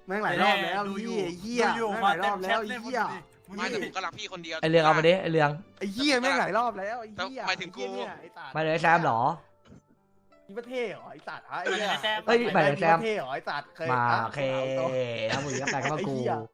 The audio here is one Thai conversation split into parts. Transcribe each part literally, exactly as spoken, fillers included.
แม่งหลายรอบแล้วเหี้ยเหี้ยแม่งหลายรอบแล้วเหี้ยไม่แต่ผมก็รักพี่คนเดียวไอเรืองเอามาดิไอเรืองไอ้เหี้ยแม่งหลายรอบแล้วไอ้เหี้ยหมายถึงกูมาเลยแซมหรอมีประเทศเหรอไอ้สัตว์ฮะไอ้เหี้ยเฮ้ยหมายถึงแซมประเทศเหรอไอ้สัตว์เคยมาโอเคทำมือกับแต่ก็มากู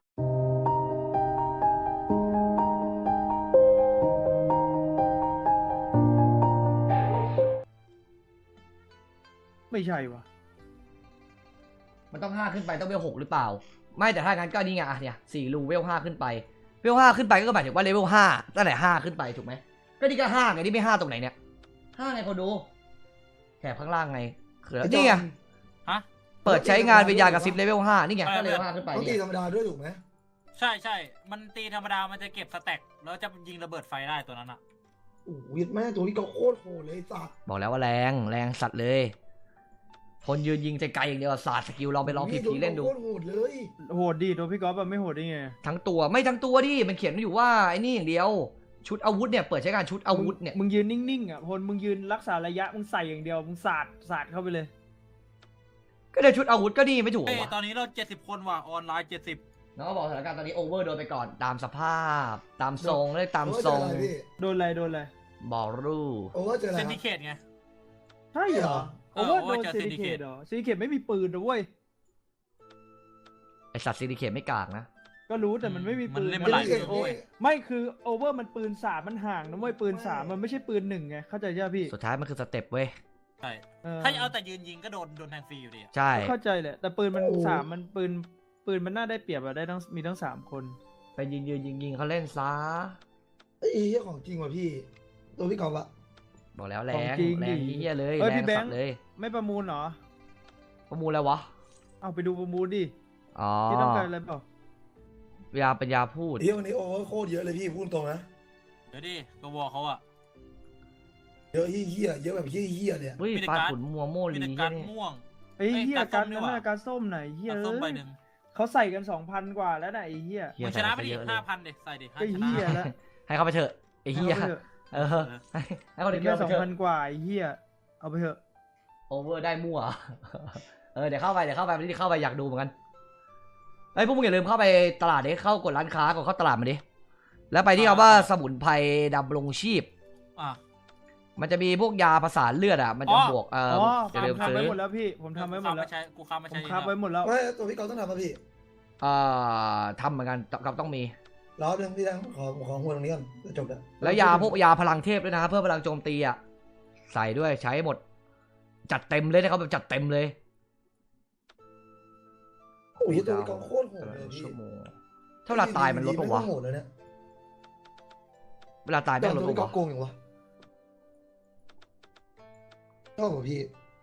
ไม่ใช่วะมันต้องห้าขึ้นไปต้องเวลหกหรือเปล่าไม่แต่ถ้างั้นก็นี่ไงอ่ะเนี่ยสี่รูเวลห้าขึ้นไปเวลห้าขึ้นไปก็หมายถึงว่าเลเวลห้าตั้งแต่ห้าขึ้นไปถูกไหมก็นี่ก็ห้าไงนี่ไม่ห้าตรงไหนเนี่ยห้าไงคนดูแถบข้างล่างไงคือนี่ไงฮะเปิดใช้งานวิญญาณกับซิปเลเวลห้านี่ไงก็เลเวลห้าขึ้นไปต้องตีเนี่ยธรรมดาด้วยถูกไหมใช่ใช่มันตีธรรมดามันจะเก็บสแต็กแล้วจะยิงระเบิดไฟได้ตัวนั้นอ่ะโอ้ยแม่ตัวนี้ก็โคตรโหดเลยสัตว์บอกแล้วว่าแรงแรงสัตว์เลยคนยืนยิงไกลๆอย่างเดียวศาสตร์สกิลลองไปลองผีๆเล่นดูโคตรโหดเลยโหดดิตัวพี่ก๊อฟแบบไม่โหดได้ไงทั้งตัวไม่ทั้งตัวดิมันเขียนอยู่ว่าไอ้นี่อย่างเดียวชุดอาวุธเนี่ยเปิดใช้งานชุดอาวุธเนี่ยมึงยืนนิ่งๆอ่ะพลมึงยืนรักษาระยะมึงใส่อย่างเดียวมึงสาดสาดเข้าไปเลยก็ได้ชุดอาวุธก็นี่ไม่ถูกเอ้ยวะตอนนี้เราเจ็ดสิบคนว่ะออนไลน์เจ็ดสิบน้องก็บอกสถานการณ์ตอนนี้โอเวอร์โดนไปก่อนตามสภาพตามทรงเลยตามทรงโอ้ยเจออะไรพี่โดนอะไรโดนอะไรบอรูโอ้ว่าเจออะไรเซคน รับดิเคตไงใช่เหรอเอโอ้อว่าโอ้โดว่าน เจอซิลิเค Syndicate ตเหรอซิลิเคตไม่มีปืนนะเว้ยไอสัตว์ซิลิเคทไม่กากนะก็รู้แต่มันไม่มีมัปืนนเล่นมาหลายเก่งโอ้ยไม่คือโอเวอร์มันปืนสามมันห่างนะเว้ยปืนสามมันไม่ใช่ปืนหนึ่งไงเข้าใจใช่ไหมพี่สุดท้ายมันคือสเต็ปเว้ยใช่เออถ้าเอาแต่ยืนยิงก็โดนโดนแทงฟรีอยู่ดีอะใช่เข้าใจแหละแต่ปืนมันสามมันปืนปืนมันน่าได้เปรียบอะได้ทั้งมีทั้งสามคนไปยิงยิงยิงยิงเขาเล่นซะไอ้เหี้ยของจริงว่ะพี่ ตัวพี่กอล์ฟอะบอกแล้วแรงแรงเยี่ยเลยเอ้ยแรงพี่แบสังตค์ว์เลยไม่ประมูลเหรอประมูลแล้ววะเอาไปดูประมูลดิอ๋อพี่ต้องการอะไรเปล่ายาปัญญาพูดไอ้เหี้ยวันนี้โอ้โคตรเยอะเลยพี่พูดตรงนะเดี๋ยวดิกวอเขาอะเยอะเหี้ยเยอะแบบเหี้ยๆเลยอะเฮ้ยมีแต่ปลาการ์ดขุนมัวโมมีลีแต่การเนี่ยม่วงไอ้เหี้ยเอ้ยการส้มนั้นนี่หว่าน่ะการส้มไหนเหี้ยการส้มใบหนึ่งเขาใส่กันสองพันกว่าแล้วนะไอ้เหี้ยเหี้ยมึงชนะไปดิใส่เยอะเลยห้าพันดิใส่ดิห้าไอ้ชนะเหี้ยแล้วให้เขาไปเถอะไอ้เหี้ยอาไปถอะเออให้ให้เขาเดี๋เด็ยกวเดียวสองไปเถพันอะกว่าไอ้เหี้ยเอาไปเถอะโอเวอร์ได้มั่ว เออเดี๋ยวเข้าไปเดี๋ยวเข้าไปไม่ได้เข้าไปอยากดูเหมือนกันไอ้ยพวกมึงอย่าลืมเข้าไปตลาดดิเข้ากดร้านค้าก่อนเข้าตลาดมาดิแล้วไปที่คำว่าสมุนไพรดำรงชีพอ่ะมันจะมีพวกยาประสานเลือดอ่ะมันจะอ๋อบวกเอออ๋ออย่าลืมทำซื้ไว้อหมดแล้วพี่ผมทำไว้หมดแล้วกูค้าาใช้กูค้ามาผใช้มคับไว้หมดแล้วไม่ตัวพี่กอล์ฟต้องทำป่ะพี่เอ่อทำเหมือนกันกับต้องมีรอบนึงพี่ดังขอขอหัวตรงนี้ก่อนจะจบแล้วแล้วยาพวกยาพลังเทพด้วยนะเพื่อพลังโจมตีอ่ะใส่ด้วยใช้หมด จัดเต็มเลยนะครับแบบจัดเต็มเลยโอ้ยตัวพี่กอล์ฟโคตรโหดเลยพี่ชั่วโมงถ้าเวลาตายมันลดปะวะโหดเลยเนี่ยเวลาตายแต่แม่งลดตัวพี่กอปะล์ฟโกวะงอย่างวะชอบป่ะพี่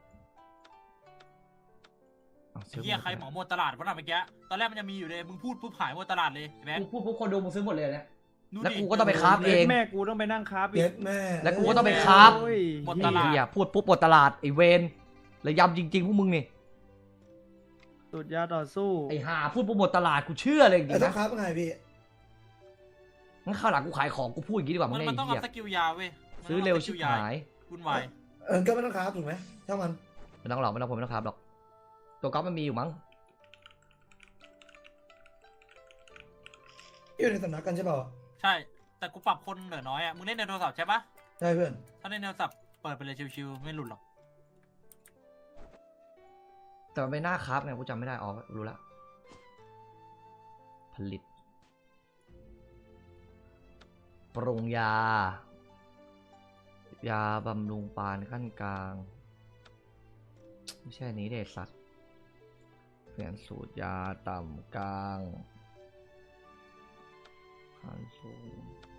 อ้าวเฮียใครหมอหมดตลาดวะน่ะเมื่อกี้ตอนแรกมันจะมีอยู่เลยมึงพูดปุ๊บหายหมดตลาดเลยแบงกูค์พูดปุ๊บคนดูมึงซื้อหมดเลยเนี่ยดูแล้วดิกูก็ต้องไปคราฟเองแม่กูต้องไปนั่งคราฟอีเย็กดแม่แล้วกูก็ต้องไปคราฟโอ้ยหมดไอ้ตลาดเหี้ยพูดปุ๊บหมดตลาดไอ้เวนระยำจริงๆพวกมึงนี่สุดยาต่อสู้ไอ้ห่าพูดปุ๊บหมดตลาดกูเชื่อเลยจริไอ้งๆต้องนะคราฟยังไงพี่งั้นข้าวหลังกูขายของกูพูดอย่างนี้ดีกว่ามึมังนไอ้มันต้องเหี้ยเอาสกิลยาเว้ยมันซื้อต้งเร็วสชิกิบลยาหายวุ่นวายเออก็ไม่ต้องคราฟถูกไหมถ้ามันไม่ต้องหรอกไม่ต้องผมไม่ต้องครับหรอกตัวก๊อฟมันมีอยู่มั้งอยู่ในสำนักกันใช่เปล่าใช่ แต่กูปรับคนเหลือน้อยอ่ะมึงเล่นในโทรศัพท์ใช่ปะใช่เพื่อนถ้าเล่นในโทรศัพท์เปิดไปเลยชิวๆไม่หลุดหรอกแต่มันไม่น่าครับไงกูจำไม่ได้อ๋อรู้ละผลิตปรุงยา ยาบำรุงปานขั้นกลางไม่ใช่อันนี้เด็ดสัตว์เปลี่ยนสูตรยาต่ำกลางขั้นสูง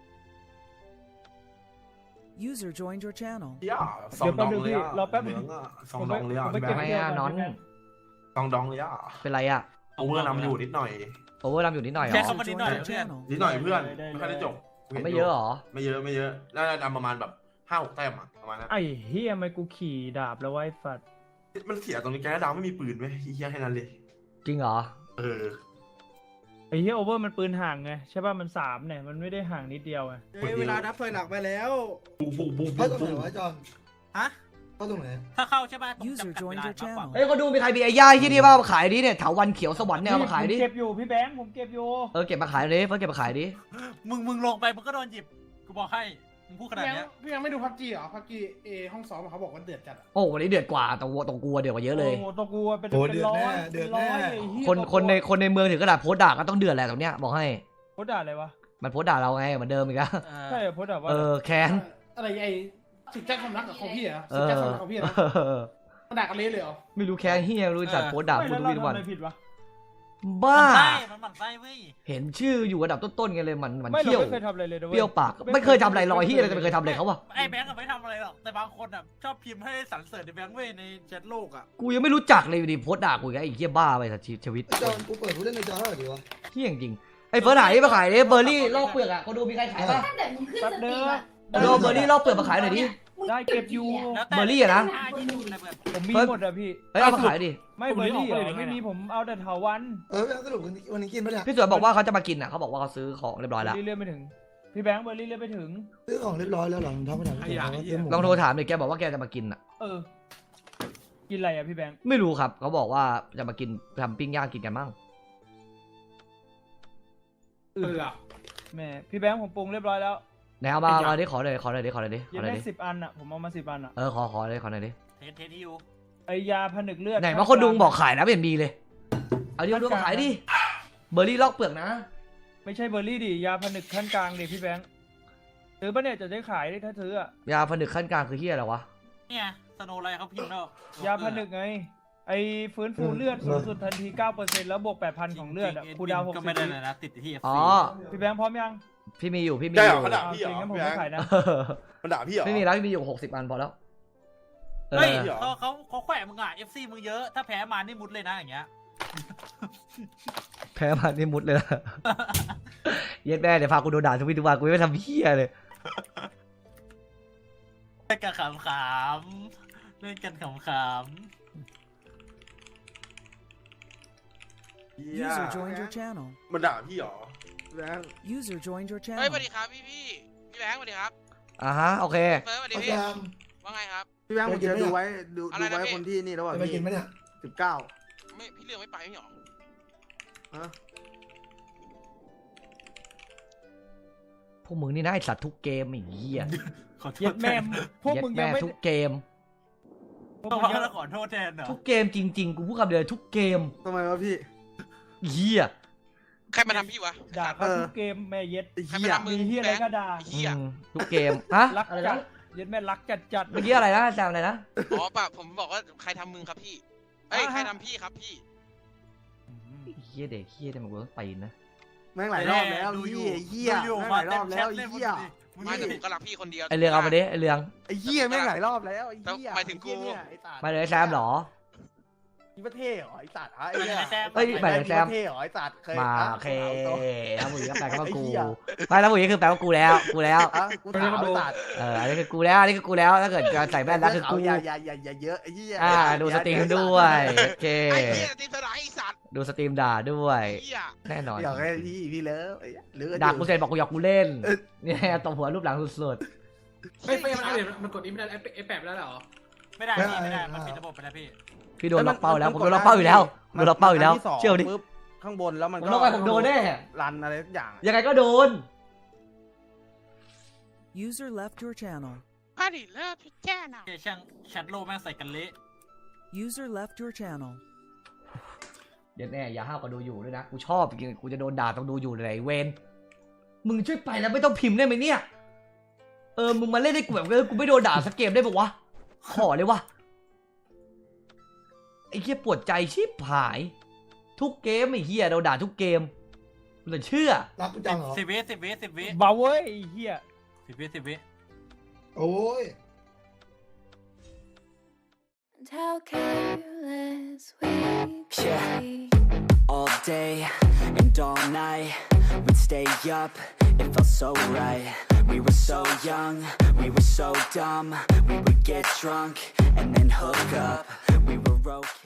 User joined your channel. ย่าสองดองเลยอ่ะรอแป๊บนึเหงมืองอ่ะสองดองเลยอ่ะผมไปพี่แบเก็บงทำค์ไมอะนอนสองดองเลยอ่ะเป็นไรอะโอเวอร์นำอยู่นิดหน่อยโอเวอร์รำอยู่นิดหน่อยเหรแค่อคำว่านิดหน่อย Joined your เพื่อน channel. นิดหน่อยเพื่อนได้ได้ไม่ค่อยได้จบไม่เยอะเหรอไม่เยอะไม่เยอะน่าจะดำประมาณแบบห้าหกแต้มอ่ะประมาณนั้นไอ้เฮียทำไมกูขี่ดาบแล้วไว้ฝัดมันเสียตรงนี้แกดาวไม่มีปืนไหมเฮียแค่นั้นเลยจริงเหรอเออไอ้เฮียโอเวอร์มันปืนห่างไงใช่ป่ะมันสามเนี่ยมันไม่ได้ห่างนิดเดียวไงเวลานับถอยหลังไปแล้วปุ๊บปุ๊บปุ๊บให้ปุ๊บตรงไหนปุ๊บวะจอนฮะใเข้าตรงไหนถ้าเข้าใช่ป่ะต้อง User จำกัดเว joined ลา your มากกว่า channel เอ้ยเขาดูมีใครมีไอ้ย่ายที่นี่บ้างมาขายดิเนี่ยเถาวันเขียวสวรรค์เนี่ยเอามาขายดิผมเก็บอยู่พี่แบงค์ผมเก็บอยู่เออเก็บมาขายดิเฟิร์สเก็บมาขายดิมึงมึงลงไปมึงก็โดนหยิบกูบอกให้มึงพูดขนาดพี่ยังเนี้ยพี่ยังไม่ดูพับจีเหรอพับจีเอห้องซ้อมอะเขาบอกว่าเดือดจัดอะโอ้วันนี้เดือดกว่าตรงตรงกลัวเดือดกว่าเยอะเลยโอ้โหตัวกูเป็นโอ้เป็นเดือดร้อแน่ยเดืเป็อดนร้อแน่ยไอ้เหี้ยคนคนในคนในเมืองถึงกระดาษโพสต์ด่าก็ต้องเดือดแหละตรงเนี้ยบอกให้โพสต์ด่าอะไรวะมันโพสต์ด่าเราไงเหมือนเดิมอีกแล้วเออใช่เหรอโพสต์ด่าว่าเออแค้นอะไรไอ้สิทธิ์แจ้งความรักกับของพี่เหรอเอสิทธิ์อแจ้งความรักของพี่นะเออมันด่ากันเละเลยเหรอไม่รู้แค้นเฮียไม่รู้จัดโพสต์ด่าไม่พูดแล้วทุกเราวี่ทุกทำวันอะไรผิดวะบ้ามันไส้มันหมั่นไส้เว้ยเห็นชื่ออยู่อันดับต้นๆกันเลยมันมันไม่เราเที่ยวไม่เคยทำอะไรเลยนะเปรี้ยวปากไม่เคยทำอะไรลอยเฮียอะไรจะไม่เคยทำอะไรเขาวะไอ้แบงก์ก็ไม่ทำอะไรหรอกแต่บางคนอ่ะชอบพิมพ์ให้สรรเสริญในแบงก์เว้ยในแชทโลกอ่ะกูยังไม่รู้จักเลยอยู่ดีโพสต์ด่ากูอีกแล้วไอ้เฮียบ้าไปสัตว์ชีวิตไอ้จอนกูเปิดกูเล่นในจอเท่าไหร่ดีวะเฮียจริงๆไอ้เฟิร์สหายมาขายดิเบอร์รี่ลอกเปลือกอ่ะเขาดูมีใครขายป่ะตั้งแต่มึงขึ้นสตรีมอะโดเบอร์รี่ลอกเปลือกมาขายหน่อยดิได้เก็บอยู่แล้วแต่เบอร์รี่อะนะห้ายี่สิบอะไรเพื่อนผมมีหมดอะพี่เฮ้ยเอามาขายดิไม่เบอร์รี่เหรอไม่มีผมเอาแต่เถาวันเออสรุปวันนี้กินปะเนี่ยพี่สวยบอกว่าเขาจะมากินอ่ะเขาบอกว่าเขาซื้อของเรียบร้อยเบอแล้วร์รี่เลื่อนไม่ถึงพี่แบงค์เบอร์รี่เลื่อนไม่ถึงซื้อของเรียบร้อยแล้วหรอท้องไม่ทันลองโทรถามดิแกบอกว่าแกจะมากินอ่ะเออ กินอะไรอะพี่แบงค์ไม่รู้ครับเขาบอกว่าจะมากินทำปิ้งย่างกินกันมั่งเอออะแม่พี่แบงค์ผมปรุงเรียบร้อยแล้วไหนเอามาเอาดิขอเลยขอเลยดิขอเลยดิขยัอง เลยได้ดิสิบอันอะผมเอามาสิบอันอะเออขอขอเลยขอเลยดิเทสเทสที่อยู่ไอยาผนึกเลือดไหนมาคนดุงบอกขายนะไม่เห็นมีเลยเอาดิเอาดูมาขายดิเบอร์รี่ลอกเปลือกนะไม่ใช่เบอร์รี่ดิยาผนึกขั้นกลางดิพี่แบงค์ซื้อปะเนี่ยจะได้ขายได้ถ้าซื้ออะยาผนึกขั้นกลางคือเฮียอะไรวะเนี่ยสโนไลท์เขาพิมพ์แล้วยาผนึกไง ไอฟื้นฟูเลือดสูงสุดทันที เก้าเปอร์เซ็นต์ แล้วบวก แปดพัน ของเลือดอะคูลดาวน์หกก็สิไม่บได้เลยนะติดที่เอฟอ๋อซีพี่แบงค์พร้อมยังพี่มีอยู่พี่มีได้อเหรอยู่ เขาด่าพี่เหรอโอเคงั้นผมพี่แบไม่งค์ขายนะมันด่าพี่เหรอไม่มีแล้วพี่มีอยู่หกสิบอันพอแล้วเอเฮ้ยอเหรอเขาเขาเขาแขวะมึงอ่ะเอฟซีมึงเยอะถ้าแพ้มานี่มุดเลยนะอย่างเงี้ยแพ้มานี่มุดเลยนะ เย็ดแม่เดี๋ยวพากูโดนด่าทุกวี่ทุกวันกูไม่ทำเฮียเลยเล่นกันขำๆเล่นกันขำ User joined your channel. มันด่าพี่เหรอ User joined your เฮ้ย channel. สวัสดีครับพี่พี่พี่แบงค์สวัสดีครับอ่าฮะโอเคเฟิร์สสวัสดีเอาพี่แจมว่าไงครับพี่แบงค์ผมจะดูไว้ดูอะไรดูนะไว้พี่คนที่นี่แล้วว่ะจะไปกิพี่นไหมเนี่ยสิบเก้าไม่พี่เลือกไม่ไปไม่หรอฮะพวกมึงนี่น่าไอสัตว์ทุกเกมไอ้เหี้ยๆขอโทเย็ษดแทแม่นพวกเย็ดมึงยัแม่งไม่ทุกเกมพวกต้องมึมางยังแล้วขอโทษแทนเหรอทุกเกมจริง ๆ กูพูดคำเดียวทุกเกมทำไมวะพี่เหี้ยใครมาทำพี่วะด่าเขาเออทุกเกมแม่เย็ดไอ้ใครเหี้มาย ทำมึมีงเฮียอะไรก็ด่าเฮียอืมทุกเกมฮะรักอะไรจันะดเย็ดแม่รักจัดจัดเมื่อกี้อะไรนะจำอะไรนะอ๋อป่ะผมบอกว่าใครทำมึงครับพี่เอ้ยใครทำพี่ครับพี่เหี้ยเด็กเหี้ยแต่มันกูต้องไปนะแม่งหลายรอบแล้วดูอยู่ไอ้เหี้ยดูอยู่แม่งหมาลายรเต็อมบแชแล้วทไอ้เล่นเหี้ยไม่แต่ผมก็รักพี่คนเดียวไอเรืองเอามาดิไอเรืองไอ้เหี้ยแม่งหลายรอบแล้วไอ้เหี้ยหมายถึงกูไอ้เหี้ยเนี่ยไอ้สัตว์มาเลยแซมเหรอคิดว่าเท่เหรอไอ้สัตว์ฮะไอ้เนี่ยเอ้ยหมายถึงแซมคิดว่าเท่เหรอไอ้สัตว์เคยมาะโอเคาตัวแล้วผู้หญิงก็แปลว่ากูไอ้เหี้ยไม่แล้วผู้หญิงคือแปลว่ากูแล้วกูแล้วอ่ะกูถามไอ้สัตว์เอออันนี้คือกูแล้วอันนี้คือกูแล้วถ้าเกิดจะใส่แว่นแล้วคือกูอย่าอย่าอย่าอย่าเยอะไอ้เหี้ยอ่าดูสตรีมด้วยโอเคไอ้เฮียตีสลายไอ้สัตว์ดูสตรีมด่าด้วยเฮียแน่นอนอยากให้พี่พี่เลิฟไอ้เหี้ยหรือด่ากูเสร็จบอกกูอยากกูเล่นเออเนี่ยตบหัวรูปหลังสุดไม่ไม่มันอัปเดตมันกดนี้ไม่ได้ไอ้แปดไม่ได้เหรอไม่ได้พี่ไม่ได้มันปิดระบบไปแล้วพี่ๆพี่โดนล็อกเป้าแล้วผมโดนล็อกเป้าอยู่แล้วโดนล็อกเป้าอยู่แล้วนที่สงเชื่อดิปึ๊บข้างบนแล้วมันผมก็ล็อกไปผมโดนแน่รันอะไรทุกอย่างยังไงก็โดน User left your channel. พาดิเลิฟพี่แจ้น่ะเจช่างแชทโลกแม่งใส่กันเละ User left your channel. เดี๋ยวแน่อย่าห้าวก็ดูอยู่ด้วยนะกูชอบจริงๆกูจะโดนด่าต้องดูอยู่ไหนเวนมึงช่วยไปแล้วไม่ต้องพิมพ์ได้ไหมเนี่ยเออมึงมาเล่นได้กูแบบเออกูไม่โดนด่าสักเกมได้ปะวะขอเลยวะไอ้เหี้ยปวดใจชิบหาย ทุกเกมไอ้เหี้ยเราด่าทุกเกมเหลือเชื่อรักกูจังเหรอสิบวิสิบวิสิบวิเบาเว้ยไอ้เฮียสิบวิสิบวิโอ้ย And how careless we could Yeah. be. All day and all night, we'd stay up, it felt so right. We were so young, we were so dumb. We would get drunk and then hook up. We were okay.